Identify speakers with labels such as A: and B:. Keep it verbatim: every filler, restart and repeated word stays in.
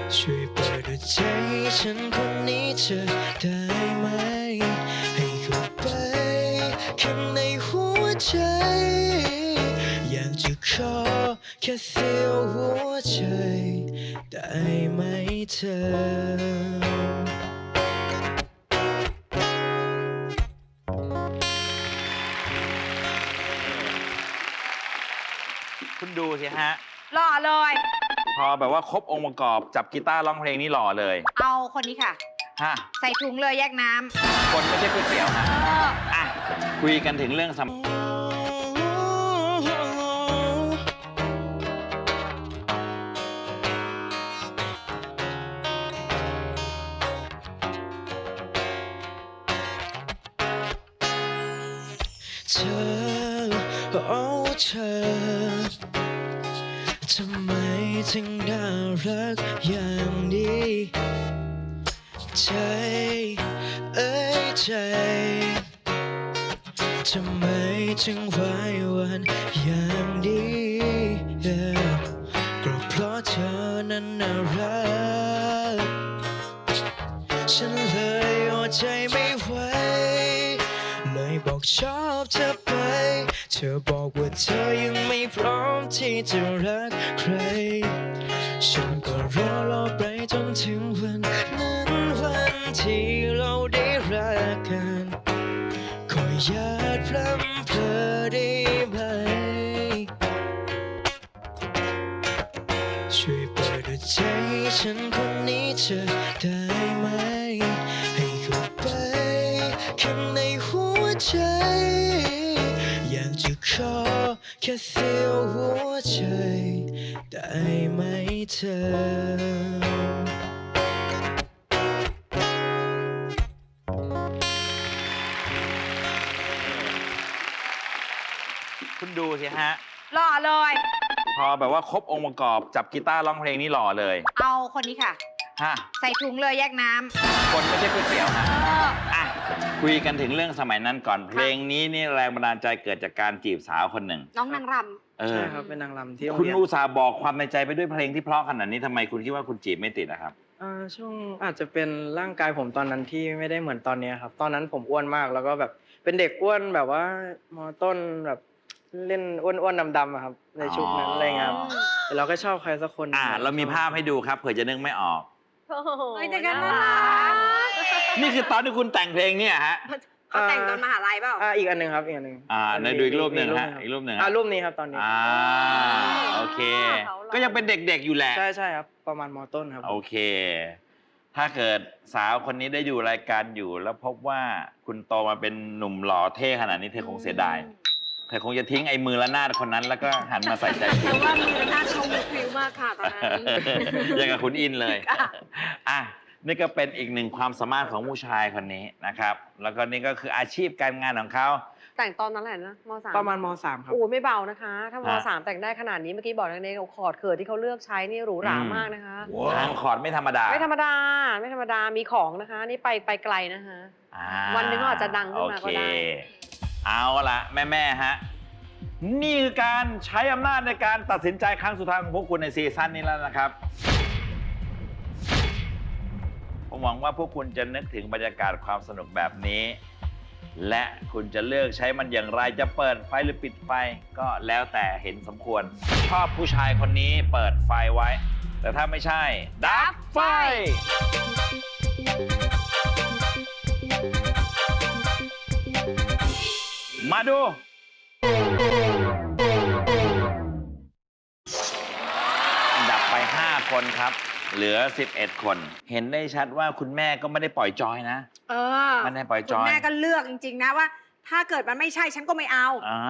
A: ช่วยเปิดหัวใจให้ฉันคนนี้เธอได้ไหมให้เข้าไปข้างในหัวใจอยากจะขอแค่เสียวหัวใจได้ไหมเธอ
B: คุณดูสิฮะ
C: หล่อเลย
B: พอแบบว่าครบองค์ประกอบจับกีตาร์ร้องเพลงนี่หล่อเลย
C: เอาคนนี้ค่ะ
B: ฮะ
C: ใส่ถุงเลยแยกน้ำ
B: คนไม่ใช่ก๋วยเตี๋ยวฮะ
C: เออ
B: อ่ะ คุยกันถึงเรื่องสม
A: เธอโอ้เธอทำไมถึงน่ารักอย่างนี้ใจเอ้ยใจทำไมถึงไหวหวันอย่างนี้ yeah. ก็เพราะเธอนั้นน่ารักฉันเลยอดใจไม่ไหวเลยบอกชอบเธอไปเธอบอกว่าเธอยังไม่พร้อมที่จะรักใครฉันก็รอรอไปจนถึงวันนั้นวันที่เราได้รักกันขออย่าพลั้เพลอได้ไหมช่วยเปิดหัวใจให้ฉันคนนี้เธอได้ไหมให้เข้าไปข้างในหัวใจอยากจะขอแค่เสียวหัวใจได้ไหมเธอ
B: คุณดูสิฮะ
C: หล่อเลย
B: พอแบบว่าครบองค์ประกอบจับกีตาร์ร้องเพลงนี่หล่อเลย
C: เอาคนนี้ค่ะ
B: ฮะ
C: ใส่ถุงเลยแยกน้ำ
B: คนไม่ใช่ก๋วยเตี๋ยวฮะ
C: เออ
B: อ่ะ คุยกันถึงเรื่องสมัยนั้นก่อน เพลงนี้นี่แรงบันดาลใจเกิดจากการจีบสาวคนหนึ่ง
C: น้องนางร
B: เออ
D: ใช่ครับ เป็นนางรำที่โรง
B: คุณ
D: เรียน
B: อุตส่าห์บอกความในใจไปด้วยเพลงที่เพราะขนาดนี้ทำไมคุณคิดว่าคุณจีบไม่ติดนะครับ
D: อ่าช่วงอาจจะเป็นร่างกายผมตอนนั้นที่ไม่ได้เหมือนตอนนี้ครับ ตอนนั้นผมอ้วนมากแล้วก็แบบเป็นเด็กอ้วนแบบว่ามอต้นแบบเล่นอ้วนๆดำๆอะครับในชุดนั้น
B: อ๋ออ
D: อะไรเงี้ยครับแต่เราก็ชอบใครสักคน
B: อ่า เรามีภาพให้ดูครับเผื่อจะนึกไม่ออก
E: โอ้โห
C: ำเฮ้ยแต่กัน
E: น่า
C: น่า
E: รั
C: รั
E: ก
C: ก
B: นี่คือตอนที่คุณแต่งเพลงเนี่ยฮะ
C: เขาแต่งตอนมหาลัยเปล่า
D: อ่าอีกอันหนึ่งครับอีกอันหนึ่ง
B: อ่าในดูอีกรูปหนึ่งฮะอีกรูปหนึ่งฮะ
D: อ่ารูปนี้ครับตอนนี้
B: อ่า โอเค
E: เขาหล่อ
B: ก็ยังเป็นเด็กๆอยู่แหละ
D: ใช่ใช่ครับประมาณมอต้นครับ
B: โอเค ถ้าเกิดสาวคนนี้ได้อยู่รายการอยู่ แล้วพบว่าคุณโตมาเป็นหนุ่มหล่อเท่ขนาดนี้เธอคงเสียดาย เธอคงจะทิ้งไอ้มือละนาดคนนั้น แล้วก็หันมาใส่ใจคุ
E: แต่
B: ณ
E: ว่ามือหน้าเขามือพริ้วมากค่ะตอนนั้น
B: อย่างกับคุณอินเลย อ่ะ นี่ก็เป็นอีกหนึ่งความสามารถของผู้ชายคนนี้นะครับ แล้วก็นี่ก็คืออาชีพการงานของเขา
E: แต่งตอนนั้นแหละนะมสาม
D: ประมาณมสามครับ
E: โอ้ไม่เบานะคะ ถ้าม
B: ฮะ
E: สามแต่งได้ขนาดนี้เมื่อกี้บอกในคอร์ดเขิดที่เขาเลือกใช้นี่หรูหรา
B: อืม
E: มากนะคะ
B: ทางคอร์ดไม่ธรรมดา
E: ไม่ธรรมดาไม่ธรรมดามีของนะคะ นี่ไปไปไกลนะคะ
B: อ่า
E: วันหนึ่งก็อาจจะดังขึ้นมาก็ได้
B: โอเคเอาละแม่แม่ๆฮะ นี่คือการใช้อำนาจในการตัดสินใจครั้งสุดท้ายของพวกคุณในซีซั่นนี้แล้วนะครับ ผมหวังว่าพวกคุณจะนึกถึงบรรยากาศความสนุกแบบนี้ และคุณจะเลือกใช้มันอย่างไรจะเปิดไฟหรือปิดไฟ ก็แล้วแต่เห็นสมควร ชอบผู้ชายคนนี้เปิดไฟไว้ แต่ถ้าไม่ใช่ ดับไฟ มาดู ดับไป ห้า คนครับ เหลือ สิบเอ็ด คน เห็นได้ชัดว่าคุณแม่ก็ไม่ได้ปล่อยจอยนะ
C: เออ
B: ไม่ได้ปล่อยจ
C: คุณ
B: อย
C: แม่ก็เลือกจริง ๆ นะว่า ถ้าเกิดมันไม่ใช่ฉันก็ไม่เอา
B: อ่า